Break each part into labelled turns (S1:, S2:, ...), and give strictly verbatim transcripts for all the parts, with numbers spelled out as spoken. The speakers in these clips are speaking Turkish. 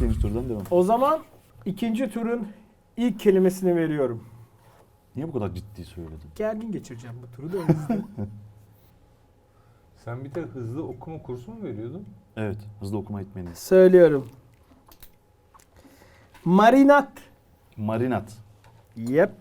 S1: ikinci turdan devam.
S2: O zaman ikinci turun ilk kelimesini veriyorum.
S1: Niye bu kadar ciddi söyledin?
S2: Gergin geçireceğim bu turu da o yüzden.
S3: Sen bir de hızlı okuma kursu mu veriyordun?
S1: Evet, hızlı okuma etmeniz.
S2: Söylüyorum. Marinat.
S1: Marinat.
S2: Yep.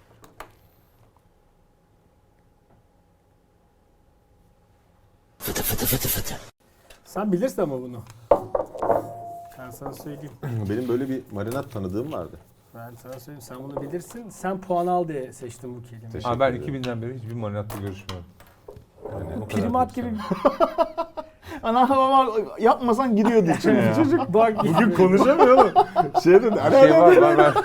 S2: Sen bilirsin ama bunu. Ben sana söyleyeyim.
S4: Benim böyle bir marinat tanıdığım vardı.
S2: Ben sana söyleyeyim. Sen bunu bilirsin. Sen puan al diye seçtim bu kelimeyi.
S4: Teşekkür
S3: Aa, ben
S4: ederim.
S3: iki binden beri hiçbir marinatla görüşmüyorum. Yani o kadar
S2: Primat
S3: değil
S2: gibi
S3: sana.
S1: Ana baba yapmasan gidiyordu içine ya.
S2: çocuk bak.
S4: Bugün konuşamıyor oğlum. Şey dedi.
S3: Bir şey var var var.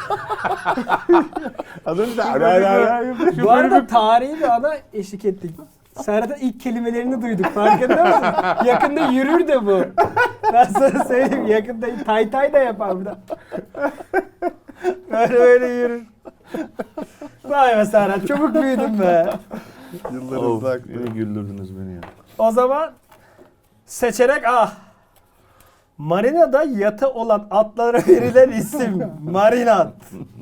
S4: Az önce de ara ara ara.
S2: Bu arada tarihi bir ana eşlik ettik. Serhat'ın ilk kelimelerini duyduk. Farkında mısın? Yakında yürür de bu. Ben sana söyleyeyim. Yakında tay tay da yapar burada. Böyle böyle yürür. Vay be Serhat. Çabuk büyüdün be.
S4: Yıllarınızda
S1: Of,
S4: aktı.
S1: yine güldürdünüz beni ya.
S2: O zaman seçerek ah. Marina'da yatı olan atlara verilen isim. Marinat.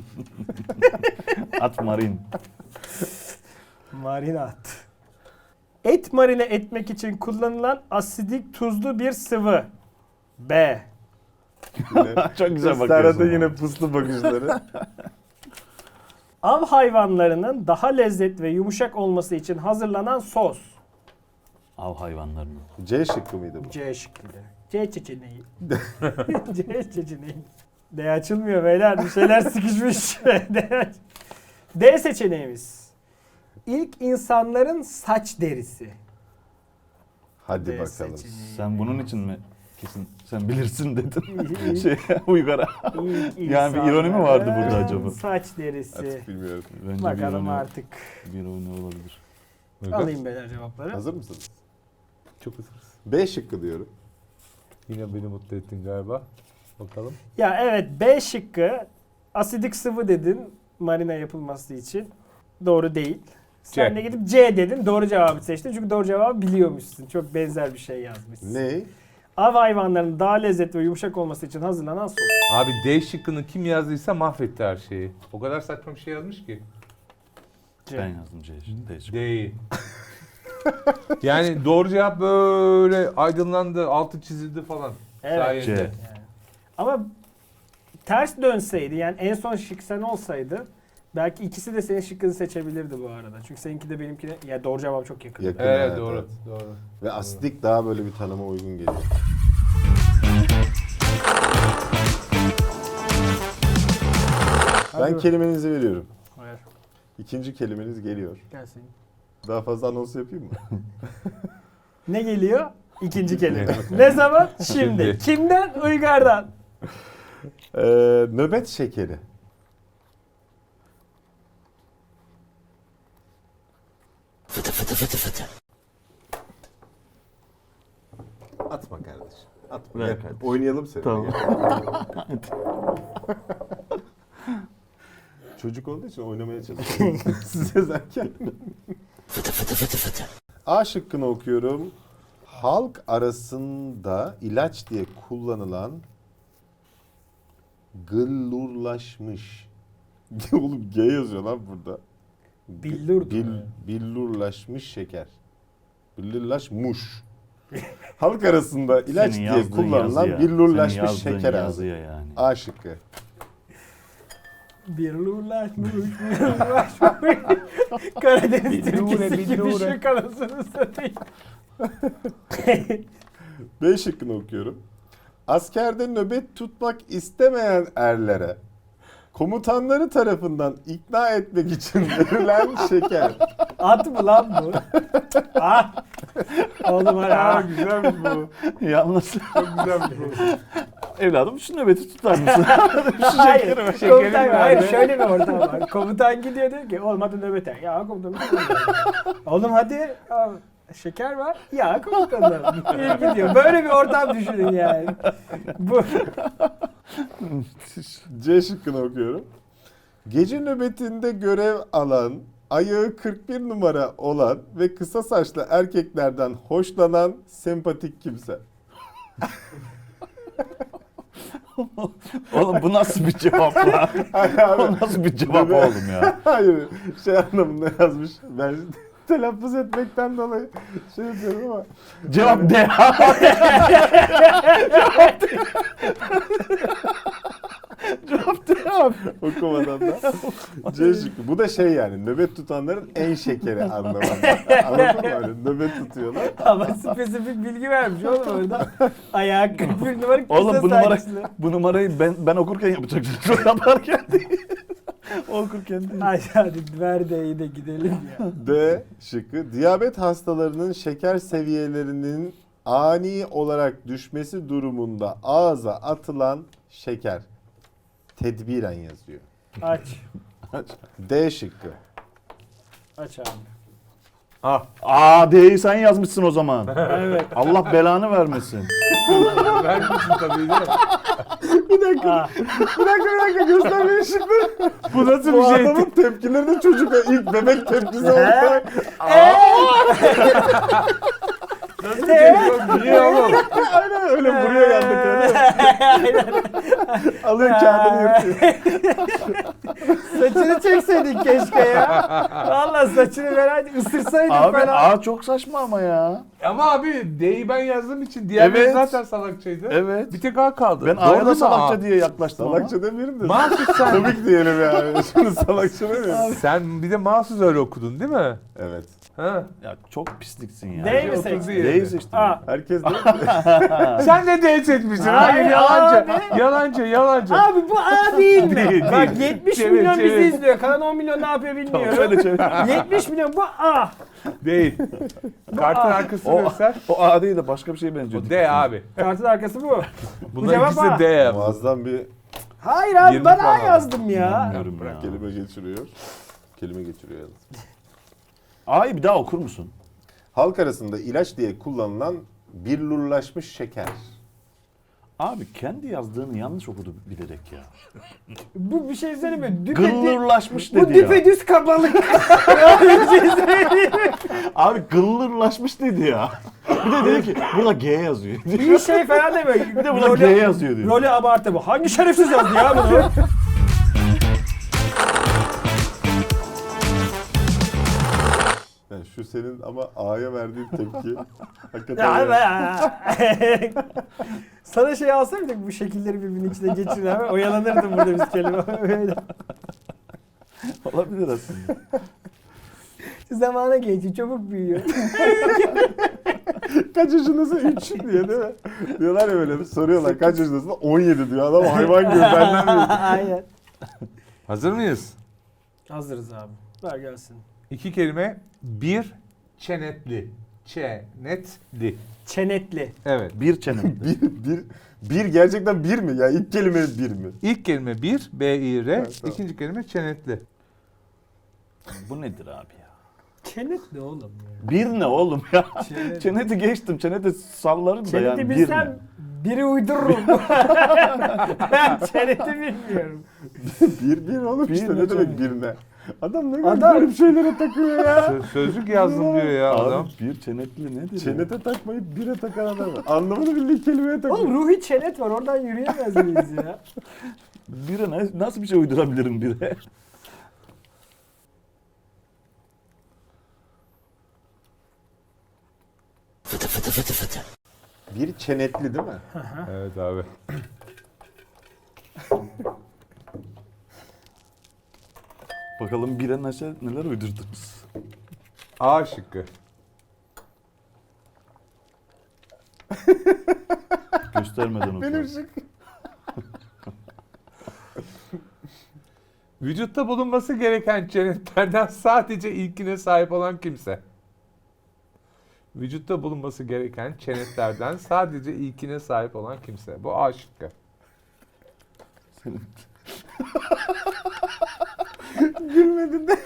S1: At marin.
S2: Marinat. Et marine etmek için kullanılan asidik tuzlu bir sıvı. B.
S4: Yine.
S1: Çok güzel bakıyorsun.
S4: Serhat'a
S1: ama.
S4: yine puslu bakışları.
S2: Av hayvanlarının daha lezzetli ve yumuşak olması için hazırlanan sos.
S1: Av hayvanlarını.
S4: C şıkkı mıydı bu?
S2: C şıkkıydı. C seçeneği. C seçeneği. D açılmıyor beyler. Bir şeyler sıkışmış. D, D seçeneğimiz. İlk insanların saç derisi.
S4: Hadi
S2: D
S4: bakalım.
S2: seçeneği.
S1: Sen bunun için mi kesin sen bilirsin dedin. şey Uygar'a.
S2: İlk
S1: Yani bir ironi mi vardı burada
S2: insanların
S1: acaba?
S2: Saç derisi.
S4: Artık bilmiyorum.
S1: Bence bir
S2: Bakalım
S1: ironi,
S2: artık.
S1: bir ironi olabilir.
S3: Uygar,
S2: Alayım beyler cevapları.
S4: Hazır mısınız?
S3: Çok hazırız.
S4: B şıkkı diyorum.
S3: Yine beni mutlu ettin galiba. Bakalım.
S2: Ya evet B şıkkı asidik sıvı dedin marina yapılması için. Doğru değil. Sen
S3: C.
S2: de gidip C dedin. Doğru cevabı seçtin. Çünkü doğru cevabı biliyormuşsun. Çok benzer bir şey yazmışsın.
S4: Ne?
S2: Av hayvanlarının daha lezzetli ve yumuşak olması için hazırlanan sos.
S3: Abi D şıkkını kim yazdıysa mahvetti her şeyi. O kadar saçma bir şey yazmış ki.
S2: C.
S1: Ben yazdım C. Değişik.
S3: D'yi. Yani doğru cevap böyle aydınlandı, altı çizildi falan.
S2: Evet.
S3: Sayende.
S1: C.
S2: Yani. Ama ters dönseydi yani en son şık sen olsaydı belki ikisi de senin şıkkını seçebilirdi bu arada. Çünkü seninki de benimkine ya doğru cevap çok yakın.
S4: Yakın.
S3: Evet,
S4: Evet,
S3: doğru.
S4: evet.
S3: Doğru.
S4: Ve asidik daha böyle bir tanıma uygun geliyor.
S2: Hadi
S4: Ben
S2: bak-
S4: kelimenizi veriyorum.
S2: Hayır.
S4: İkinci kelimeniz geliyor.
S2: Gelsin.
S4: Daha fazla anons yapayım mı?
S2: Ne geliyor? İkinci kelime. Ne zaman? Şimdi.
S3: Şimdi.
S2: Kimden? Uygar'dan.
S4: Ee, nöbet şekeri. Atma kardeşim. Atma.
S1: Ver
S4: Gel,
S1: kardeşim.
S4: oynayalım seninle.
S1: Tamam.
S4: Gel. Çocuk olduğu için oynamaya çalışıyorum. Siz yazarken. A şıkkını okuyorum. Halk arasında ilaç diye kullanılan gıllurlaşmış. Oğlum G yazıyor lan burada.
S2: Billur.
S4: Bil, billurlaşmış şeker. Billurlaşmış. Halk arasında ilaç
S1: Senin
S4: diye
S1: yazdığın
S4: kullanılan
S1: yazıya,
S4: billurlaşmış
S1: senin yazdığın
S4: şeker ağzı.
S1: yazıya yani.
S4: A şıkkı.
S2: Birlurlaşmış, birlurlaşmış. Karadeniz
S3: Billure,
S2: Türküsü gibi
S3: billure.
S2: şu kanasını satayım.
S4: B şıkkını okuyorum. Askerde nöbet tutmak istemeyen erlere komutanları tarafından ikna etmek için verilen şeker.
S2: At mı lan bu? Ah. Oğlum hadi
S3: Aa,
S2: ah.
S3: güzelmiş bu.
S1: Yalnız
S3: Çok güzelmiş bu.
S1: evladım şu nöbeti tutar mısın?
S2: Hayır,
S3: şekeri
S2: komutan,
S3: mi
S2: hayır
S3: verdi?
S2: şöyle bir ortam var. Komutan gidiyor diyor ki olmadı nöbete. Ya komutanım. Oğlum hadi. Ya, şeker var. Ya komutanım. İyi gidiyor. Böyle bir ortam düşünün yani. Bu.
S4: C şıkkını okuyorum. Gece nöbetinde görev alan, ayağı kırk bir numara olan ve kısa saçlı erkeklerden hoşlanan sempatik kimse.
S1: Oğlum bu nasıl bir cevap lan? O nasıl bir cevap oğlum ya?
S4: Hayır, şey anlamında yazmış. Ben telaffuz etmekten dolayı şey yapıyorum ama.
S1: Cevap D. Cevap D abi.
S4: Okumadan da. C şıkkı. Bu da şey yani nöbet tutanların en şekeri anlamında. Anladın mı öyle? Nöbet tutuyorlar.
S2: Ama spesifik bilgi vermiş oğlum orada. Ayağı kırk bir numara kısa
S1: Oğlum bu numara,
S2: saçlı.
S1: bu numarayı ben ben okurken yapacaksınız. O yaparken değil. O okurken değil.
S2: Ay hadi ver D'yi de gidelim ya.
S4: D şıkkı. Diyabet hastalarının şeker seviyelerinin ani olarak düşmesi durumunda ağza atılan şeker. Tedbiren yazıyor.
S2: Aç.
S4: D şıkkı.
S2: Aç abi.
S3: Ah,
S1: Aa D'yi sen yazmışsın o zaman.
S2: Evet.
S1: Allah belanı vermesin.
S3: vermişsin tabii değil mi?
S4: Bir dakika.
S2: Ah.
S4: Bir dakika bir dakika göster beni şıkkı.
S3: Bu nasıl
S4: Bu
S3: bir şey?
S4: adamın tepkileri de çocuk ilk bebek tepkisi oldu.
S3: Nasıl bir şey? Niye oğlum?
S4: Aynen öyle buraya geldik öyle. Alıyor kağıdını yırtıyor.
S2: Saçını çekseydin keşke ya. Valla saçını vereydi ısırsaydın
S1: Abi
S2: falan.
S1: A çok saçma ama ya.
S3: Ama abi D'yi ben yazdığım için diğerleri
S1: Evet.
S3: zaten salakçaydı.
S1: Evet.
S3: Bir tek A kaldı.
S1: Ben
S3: Doğru
S1: A'ya
S3: değil
S1: da
S3: mi
S1: salakça
S3: A?
S1: diye yaklaştım
S4: Salakça demeyelim de.
S3: Mahsus sen.
S4: Komik diyelim yani. Şimdi salakça demeyelim.
S3: Sen bir de mahsus öyle okudun değil mi?
S4: Evet.
S3: Ha.
S1: ama. Ya çok pisliksin ya.
S2: D mi
S3: Otuz
S2: seçtin?
S3: değil.
S1: D'yi seçtim.
S2: A.
S4: Herkes de.
S3: Sen de D seçmişsin.
S2: Hayır,
S3: Hayır yalancı.
S2: abi.
S3: Yalancı yalancı.
S2: Abi bu A değil mi?
S1: Değil,
S2: Bak
S1: değil.
S2: yetmiş
S3: Çevir,
S2: milyon
S3: çevir.
S2: bizi izliyor. Kalan on milyon ne yapıyor
S1: Tamam
S2: bilmiyorum.
S1: şöyle çevir.
S2: yetmiş milyon bu A.
S3: Değil. Kartın
S2: A.
S3: arkasını
S1: O,
S3: göster.
S1: o A değil de başka bir şeye benziyor.
S3: O D abi.
S2: Kartın arkası bu.
S3: Bunların
S2: cevap
S3: ikisi
S2: A.
S3: de D yaptı.
S4: Muazzam bir
S2: Hayır abi
S3: yirmi
S2: ben A
S3: puan
S2: yazdım ya.
S1: Bilmiyorum ya.
S4: kelime geçiriyor. Kelime geçiriyor yalnız.
S1: A'yı bir daha okur musun?
S4: Halk arasında ilaç diye kullanılan billurlaşmış şeker.
S1: Abi kendi yazdığını yanlış okudu bilerek ya.
S2: Bu bir şey söyleyeyim mi? Düpe,
S1: Gıllırlaşmış
S2: bu
S1: dedi ya.
S2: düpedüz kabalık. Bir şey söyleyeyim mi?
S1: Abi gıllırlaşmış dedi ya. Bir de dedi ki burada G yazıyor.
S2: İyi şey falan demiyor.
S1: Bir de burada G yazıyor diyor.
S2: Rolü abartı bu. Hangi şerefsiz yazdı ya bunu?
S4: Yani şu senin ama A'ya verdiğin tepki hakikaten
S2: Ya,
S4: ya.
S2: Sana şey alsaydık bu şekilleri birbirinin içine geçirin abi. Oyalanırdım burada biz kelime. Öyle.
S1: Olabilir aslında.
S2: Zamana geçiyor, çabuk büyüyor.
S4: Kaç yaşındasın? üç diye değil mi? Diyorlar ya böyle soruyorlar kaç yaşındasın? on yedi diyor adam hayvan gibi benden büyük.
S2: Aynen.
S3: Hazır mıyız?
S2: Hazırız abi. Ver gelsin.
S3: İki kelime. Bir çenetli. Çenetli.
S2: Çenetli.
S3: Evet.
S1: Bir çene.
S4: Bir, bir, bir gerçekten bir mi? Ya ilk kelime bir mi?
S3: İlk kelime bir. B I R.
S4: Evet, tamam.
S3: İkinci kelime çenetli.
S1: Bu nedir abi ya?
S2: Çenetli oğlum ya.
S1: Bir ne oğlum ya?
S2: Çenet.
S1: Çeneti geçtim. Çeneti sallarım da
S2: Çeneti
S1: yani bir
S2: bilsem
S1: ne?
S2: biri uydururum. Ben çeneti bilmiyorum.
S4: Bir bir oğlum
S1: Bir
S4: işte
S1: ne
S4: ne demek
S1: canım?
S4: bir ne? Adam ne kadar
S2: Adam-
S4: garip şeylere takıyor ya.
S3: Sö- sözlük yazdım diyor ya
S1: Abi
S3: adam.
S1: bir çenetli nedir ya?
S4: Çenete takmayıp bire takan adam var. Anlamını bildiği kelimeye takıyor.
S2: Oğlum ruhi çenet var. Oradan yürüyemez miyiz ya?
S1: Bire ne, nasıl bir şey uydurabilirim bire?
S4: Bir çenetli değil mi?
S3: Evet abi.
S1: Bakalım bire neşe, neler uydurdunuz?
S3: A şıkkı.
S1: Göstermeden oku.
S4: Benim şık.
S3: Vücutta bulunması gereken çenetlerden sadece ilkine sahip olan kimse. Vücutta bulunması gereken çenetlerden sadece ilkine sahip olan kimse. Bu A şıkkı.
S1: Senin-
S4: Gülmedin de.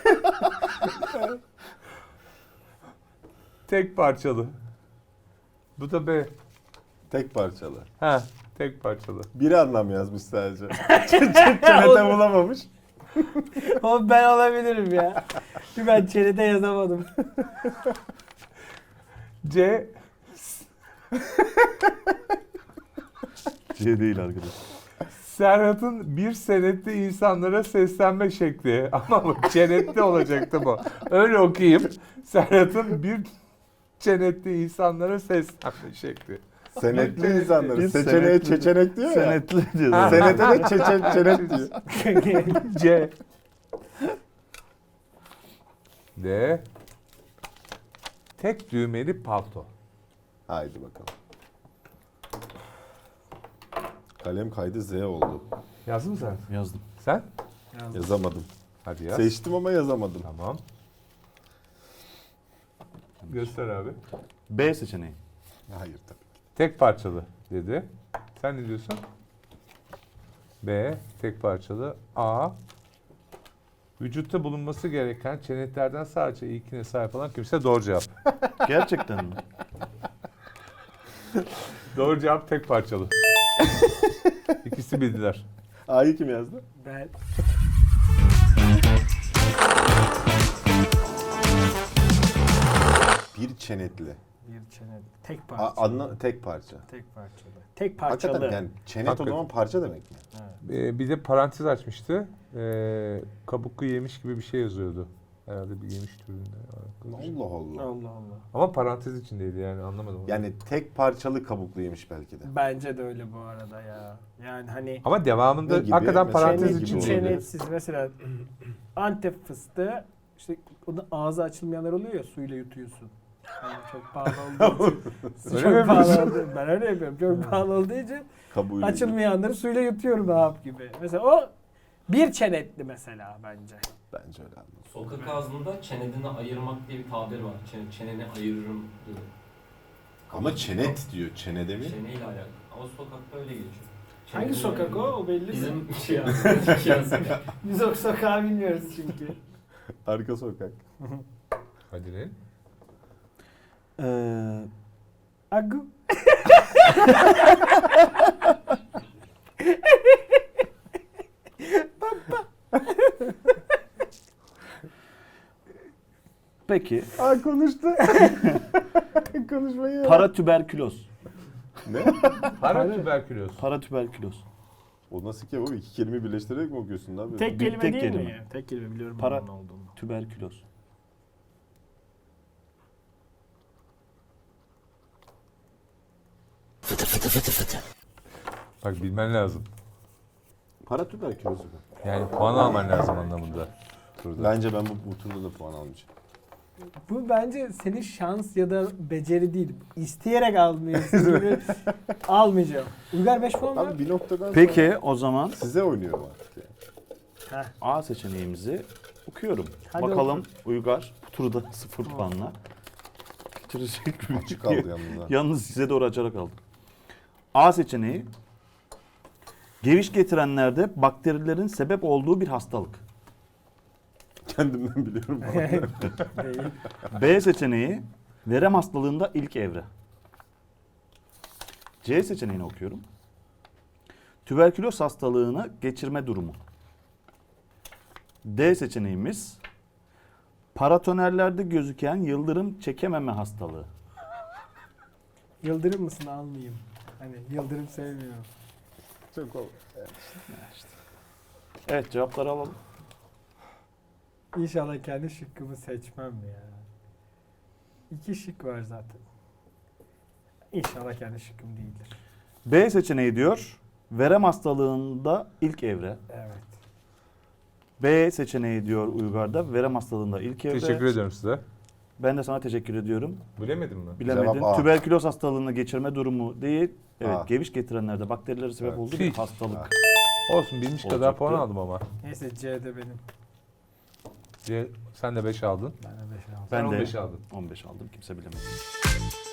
S3: Tek parçalı. Bu da B.
S4: Tek parçalı.
S3: Ha, tek parçalı.
S4: Bir anlam yazmış sadece. Çenete bulamamış.
S2: Oğlum ben olabilirim ya. Çünkü ben çenete yazamadım.
S3: C.
S1: C değil arkadaş.
S3: Serhat'ın bir senette insanlara seslenme şekli. Ama bu çenette olacaktı bu. Öyle okuyayım. Serhat'ın bir çenette insanlara seslenme şekli.
S4: Senetli insanları.
S1: Bir
S4: Seçeneğe
S1: senetli-
S4: çeçenek diyor ya.
S1: Senetli diyor.
S3: Ha.
S4: Senete de çeçen, çenet diyor.
S3: C. D. Tek düğmeli palto.
S4: Haydi bakalım. Kalem kaydı Z oldu.
S3: Yazdın mı sen?
S1: Yazdım.
S3: Sen?
S4: Yazamadım.
S3: Hadi yaz.
S4: Seçtim ama yazamadım.
S3: Tamam. Göster abi.
S1: B seçeneği.
S4: Hayır tabii.
S3: Tek parçalı dedi. Sen ne diyorsun? B. Tek parçalı. A. Vücutta bulunması gereken çenetlerden sadece ilkine sahip olan kimse doğru cevap.
S1: Gerçekten mi?
S3: Doğru cevap tek parçalı. İkisi bildiler.
S4: A'yı kim yazdı?
S2: Ben
S4: Bir çenetli.
S2: bir çene tek
S4: A,
S2: parçalı.
S4: anla, tek parça.
S2: Tek parçalı. Tek parçalı.
S4: Hakikaten yani çenet
S3: Hakikaten.
S4: o zaman parça demek mi?
S3: Ee, bir de parantez açmıştı. Ee, kabuklu yemiş gibi bir şey yazıyordu. Herhalde bir yemiş türünde.
S4: Allah Allah.
S2: Allah Allah.
S3: Ama parantez içindeydi yani anlamadım. onu.
S4: Yani tek parçalı kabuklu yemiş belki de.
S2: Bence de öyle bu arada ya. Yani hani
S3: Ama devamında
S4: Ne gibi?
S3: hakikaten
S4: Mesela
S3: parantez
S4: ne gibi
S3: içinde.
S4: oluyor?
S2: çenetsiz mesela Antep fıstığı işte o da ağzı açılmayanlar oluyor ya suyla yutuyorsun. Yani çok pahalı olduğu için.
S3: Öyle
S2: çok
S3: mi
S2: pahalı
S3: yapıyorsun?
S2: olduğu, ben öyle yapıyorum. Çok pahalı olduğu için
S4: Kabuğuyla.
S2: açılmayanları suyla yutuyorum hap gibi. Mesela o bir çenetli mesela bence.
S4: Bence öyle anladım.
S5: Sokak ağzında çenedini ayırmak diye bir tabir var. Çene, çeneni ayırırım diye.
S4: Ama çenet diyor. Çenede mi?
S5: Çeneyle alakalı. Ama sokakta öyle geçiyor.
S2: Hangi
S5: Çeneni
S2: sokak o?
S5: ayırırım.
S2: O belli mi?
S5: Bizim şey yazdık. yazdık.
S2: Biz o sokağı bilmiyoruz çünkü.
S4: Arka sokak.
S3: Hadi ne?
S1: Ee,
S2: Agu.
S1: peki.
S4: Aa konuştu. Konuşmayı.
S1: Paratüberküloz.
S4: Ne?
S3: Paratüberküloz.
S1: Paratüberküloz.
S4: O nasıl ki o iki kelime birleştirerek mi okuyorsun abi?
S2: Tek
S1: Bir
S2: kelime
S1: tek
S2: değil mi?
S1: kelime.
S2: ya? Tek kelime biliyorum
S1: Para-
S2: onun ne olduğunu.
S1: Tüberküloz.
S3: Bak bilmen lazım.
S4: Paratüberküloz.
S3: Yani puan alman lazım anlamında. Burada.
S4: Bence ben bu, bu turda da puan almayacağım.
S2: Bu bence senin şans ya da beceri değil. İsteyerek almıyorsun gibi almayacağım. Uygar beş puan var.
S4: Abi bir noktadan sonra
S1: Peki o zaman
S4: size oynuyorum artık ya.
S2: Heh.
S1: A seçeneğimizi okuyorum.
S2: Hadi
S1: Bakalım
S2: oku.
S1: Uygar bu turda sıfır puanla bitirecek mi?
S4: Açık kaldı yalnız ha.
S1: Yalnız size doğru açarak aldım. A seçeneği geviş getirenlerde bakterilerin sebep olduğu bir hastalık.
S4: Kendimden biliyorum.
S2: Değil.
S1: B seçeneği verem hastalığında ilk evre. C seçeneğini okuyorum. Tüberküloz hastalığını geçirme durumu. D seçeneğimiz paratonerlerde gözüken yıldırım çekememe hastalığı.
S2: Yıldırım mısın almayayım. Hani yıldırım sevmiyorum.
S4: Çok ol.
S1: Evet cevapları alalım.
S2: İnşallah kendi şıkkımı seçmem ya. İki şık var zaten. İnşallah kendi şıkkım değildir.
S1: B seçeneği diyor verem hastalığında ilk evre.
S2: Evet.
S1: B seçeneği diyor Uygar'da verem hastalığında ilk evre.
S3: Teşekkür ediyorum size.
S1: Ben de sana teşekkür ediyorum.
S3: Bilemedim mi?
S1: Bilemedin.
S4: Cevap A.
S1: Tüberküloz hastalığını geçirme durumu değil. Evet,
S4: A.
S1: geviş getirenlerde bakterilere sebep
S4: Evet.
S1: olduğu bir
S3: Tüh.
S1: hastalık.
S4: Ha.
S3: Olsun bilmiş kadar
S1: Olacaktı.
S3: puan aldım ama.
S2: Neyse C'de benim.
S3: C, sen de beş aldın.
S2: Ben de beş aldım.
S3: Sen
S1: Ben
S3: on
S1: de
S3: beş aldın.
S1: on beş aldım. Kimse bilemedi.